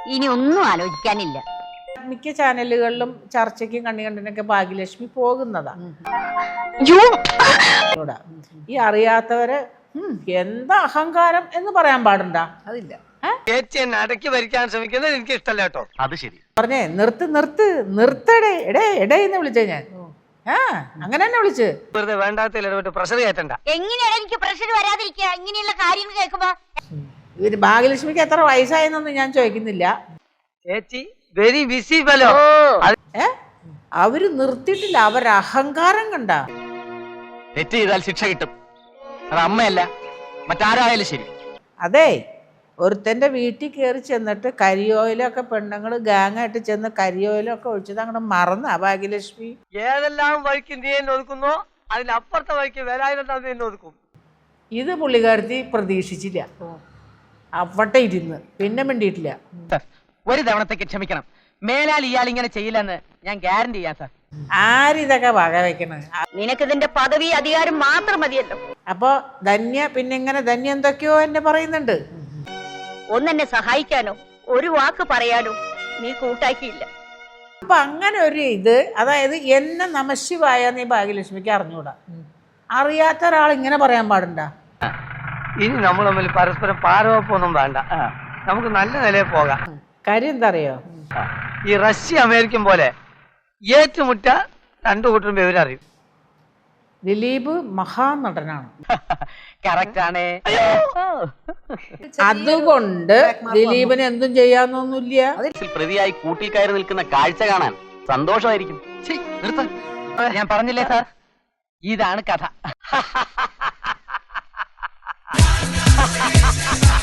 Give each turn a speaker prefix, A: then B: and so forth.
A: ഇനി ഒന്നും ആലോചിക്കാനില്ല.
B: മിക്ക ചാനലുകളിലും ചർച്ചയ്ക്കും കണ്ണികണ്ടിനൊക്കെ ഭാഗ്യലക്ഷ്മി പോകുന്നതാ. ഈ അറിയാത്തവര് എന്താ അഹങ്കാരം എന്ന് പറയാൻ പാടുണ്ടാ?
C: അതില്ല.
D: അടക്കി ഭരിക്കാൻ ശ്രമിക്കുന്നത് എനിക്ക് ഇഷ്ടമല്ല കേട്ടോ. അത് ശരി
B: പറഞ്ഞേ നിർത്തടേ എടേന്ന് വിളിച്ചേ ഞാൻ. അങ്ങനെ തന്നെ വിളിച്ച്
D: വെറുതെ വേണ്ടാത്ത പ്രഷർ കയറ്റണ്ട.
A: എങ്ങനെയാണ് എനിക്ക് പ്രഷർ വരാതിരിക്കുക ഇങ്ങനെയുള്ള കാര്യങ്ങൾ കേൾക്കുമ്പോ?
B: ഇവര് ഭാഗ്യലക്ഷ്മിക്ക് എത്ര വയസ്സായെന്നൊന്നും ഞാൻ ചോദിക്കുന്നില്ല.
D: ചേച്ചി വെരി ബിസി ഫെലോ.
B: അവര് നിർത്തിയിട്ടില്ല, അവര് അഹങ്കാരം കണ്ട.
E: തെറ്റ് ചെയ്താൽ ശിക്ഷ കിട്ടും. അത് അമ്മയല്ല മറ്റാരായാലും ശരി.
B: അതെ, ഒരുത്തന്റെ വീട്ടിൽ കയറി ചെന്നിട്ട് കരിയോയിലൊക്കെ പെണ്ണുങ്ങൾ ഗാങ്ങായിട്ട് ചെന്ന് കരിയോയിലൊക്കെ ഒഴിച്ചത് അങ്ങോട്ട് മറന്ന ഭാഗ്യലക്ഷ്മി.
D: ഏതെല്ലാം വഴിക്ക് നീ എന്നെ ഒതുക്കുന്നോ അതിലപ്പുറത്തെ വഴിക്ക് വരാതിരുന്നാൽ എന്നെ ഒതുക്കും.
B: ഇത് പുള്ളിക്കാരത്തി പ്രതീക്ഷിച്ചില്ല. അവിടെ ഇരുന്ന് പിന്നെ മിണ്ടിയിട്ടില്ല.
E: ഒരു തവണത്തേക്ക് ക്ഷമിക്കണം. മേലാൽ ഇയാൾ ഇങ്ങനെ ചെയ്യില്ലെന്ന് ഞാൻ ഗ്യാരണ്ടി ചെയ്യാം സാർ.
B: ആരിതൊക്കെ വക വെക്കണ?
A: നിനക്കിതിന്റെ പദവി അധികാരം മാത്രം മതിയല്ലോ.
B: അപ്പൊ ധന്യ പിന്നെ ഇങ്ങനെ ധന്യ എന്തൊക്കെയോ എന്നെ പറയുന്നുണ്ട്.
A: ഒന്നെന്നെ സഹായിക്കാനോ ഒരു വാക്ക് പറയാനോ നീ കൂട്ടാക്കിയില്ല.
B: അപ്പൊ അങ്ങനെ ഒരു ഇത്, അതായത് എന്നെ നമശിവായ നീ ഭാഗ്യലക്ഷ്മിക്ക് അറിഞ്ഞൂടാ. അറിയാത്ത ഒരാൾ ഇങ്ങനെ പറയാൻ പാടുണ്ടാ?
D: ഇനി നമ്മൾ തമ്മിൽ പരസ്പരം പാരവപ്പൊന്നും വേണ്ട. നമുക്ക് നല്ല നിലയിൽ പോകാം.
B: കാര്യം എന്താ അറിയോ?
D: ഈ റഷ്യ അമേരിക്കൻ പോലെ ഏറ്റുമുട്ട രണ്ടു കൂട്ടരും വിവരറിയും.
B: ദിലീപ് മഹാനടനാണ്.
E: കറക്റ്റ് ആണ്.
B: അതുകൊണ്ട് ദിലീപിന് എന്തും ചെയ്യാന്നൊന്നുമില്ല.
E: പ്രതിയായി കൂട്ടിൽ കയറി നിൽക്കുന്ന കാഴ്ച കാണാൻ സന്തോഷമായിരിക്കും. ഞാൻ പറഞ്ഞില്ലേ സാർ, ഇതാണ് കഥ.